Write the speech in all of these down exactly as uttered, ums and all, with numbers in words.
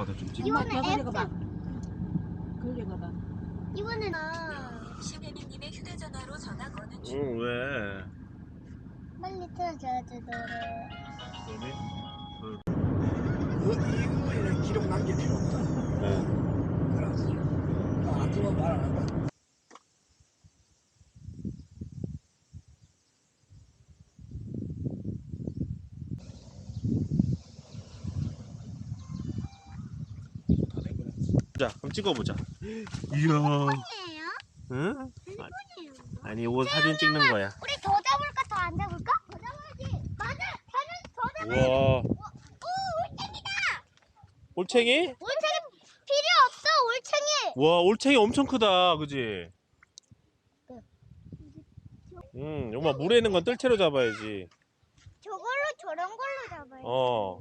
아빠도 좀 찍어. 이거는 F. 봐. 걸려봐. 이거는 아. 시베니님의 휴대전화로 전화 거는 중. 응, 왜? 빨리 틀어줘야지 노래. 그러니? 그 이후에는 기록 남길 필요 없다. 네. 알았어. 아, 그거 말 안 한다. 자, 그럼 찍어보자. 이야. 이에요? 응? 핸드폰이에요. 아니, 이거 사진 찍는 거야. 우리 더 잡을까 더 안 잡을까? 더 잡아야지. 맞아. 걔는 더 잡아야지. 우와. 오 올챙이다. 올챙이? 올챙이 필요 없어 올챙이. 와, 올챙이 엄청 크다. 그지? 응, 엄마 물에 있는 건 뜰채로 잡아야지. 저걸로 저런 걸로 잡아야지. 어.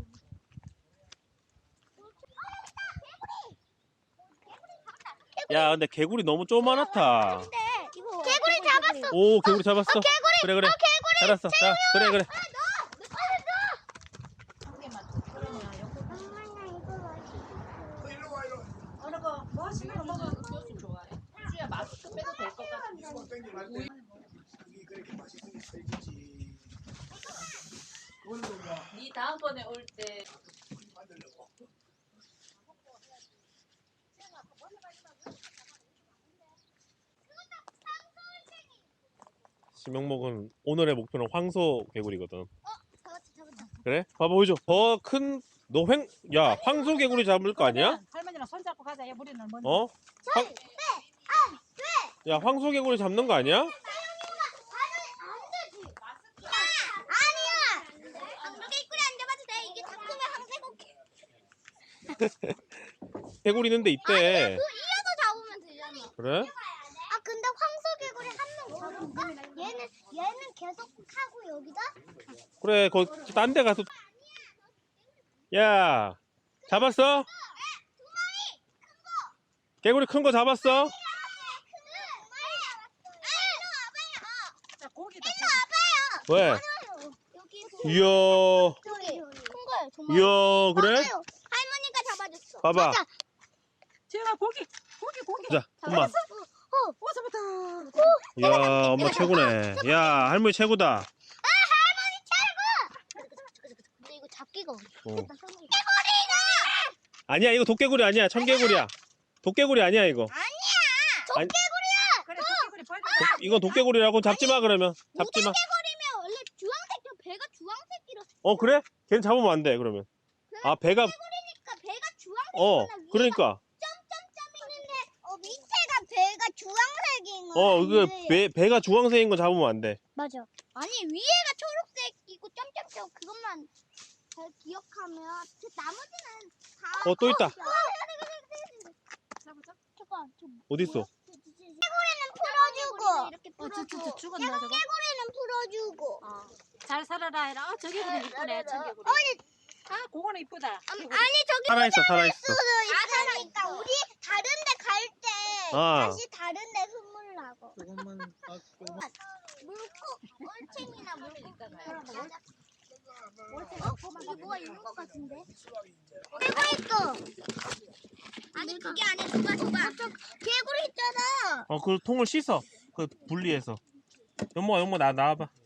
야, 근데 개구리 너무 쪼만하다. 근데 이거 개구리 잡았어. 오, 개구리 잡았어. 어, 개구리. 그래, 그래. 어, 개구리. 알았어. 자, 그래, 그래. 일로 와, 일로 와. 어느 거 뭐 하시는 거 먹어? 교수 좋아해. 주야 마스크 빼도 될 것 같은데. 이거 땡기 말 때. 그게 그렇게 맛있으니 살겠지. 그거는 뭐 네 다음번에 올 때 만들려고. 지명목은 오늘의 목표는 황소 개구리거든. 잡았다 잡았다. 그래? 봐봐, 보여줘. 더 큰, 너 횡, 야, 황소 개구리 잡을 거 아니야? 할머니랑 손잡고 가자. 야, 우리는 먼저. 어? 황, 야, 황소 개구리 잡는 거 아니야? 아니야. 개구리 안 잡아도 돼. 이게 다 크면 황새고기. 개구리 있는데 있대. 그 이어서 잡으면 되잖아. 그래? 아 근데 황소개구리 한 명 잡을까? 얘는 얘는 계속 하고 여기다. 그래, 거, 딴 데 가서. 야, 잡았어? 개구리 큰 거 잡았어? 자, 고기다. 왜? 여기 이야, 저기 큰 거예요 정말. 이야, 그래? 맞아요. 할머니가 잡아줬어. 봐봐. 맞아. 지영아 고기. 고기 고기. 자, 엄마. 어. 오, 잡았다. 이야, 엄마 최고네. 야, 할머니 최고다. 근데 이거 잡기가 어려워. 어. 개구리가 아니야, 이거 도깨구리 아니야. 청개구리야. 도깨구리 아니야, 이거. 아니야. 아니, 그래, 도끼구리 벌. 도, 이건 도깨구리라고 잡지 마, 그러면. 잡지 마. 개구리면 원래 주황색 저 배가 주황색이라. 어, 그래? 걔는 잡으면 안 돼, 그러면. 아, 배가, 그러니까 배가 주황색이구나. 어, 위에가 그러니까. 점점점 있는데 어 밑에가 배가 주황색인 거야. 어, 그, 위에. 배, 배가 주황색인 거 잡으면 안 돼. 맞아. 아니 위에가 초록색이고 점점점 그것만 잘 기억하면 그 나머지는 다. 어, 또 있다. 잡았어? 잠깐. 저 어딨어? 개구리는 풀어주고. 이렇게 어, 저, 저, 저 풀어주고. 죽었나 저거? 개구리는 풀어주고. 어. 잘 살아라 해라. 어, 저기 그래 이쁘네. 청개구리. 어, 아, 그거는 이쁘다. 아니 저기 살아있어, 살아있어. 수도 있으니까 우리 다른데 갈 때 아. 다시 다른데 선물하고. 조금만 물고 올챙이나 물고 그런 거. 어? 이게 뭐가 있는 것 같은데? 개구리 있어. 아니 그게 아니야. 누가 줘봐. 개구리 있잖아. 어, 그 통을 씻어. 그 분리해서. 연모가, 연모 나, 나와봐.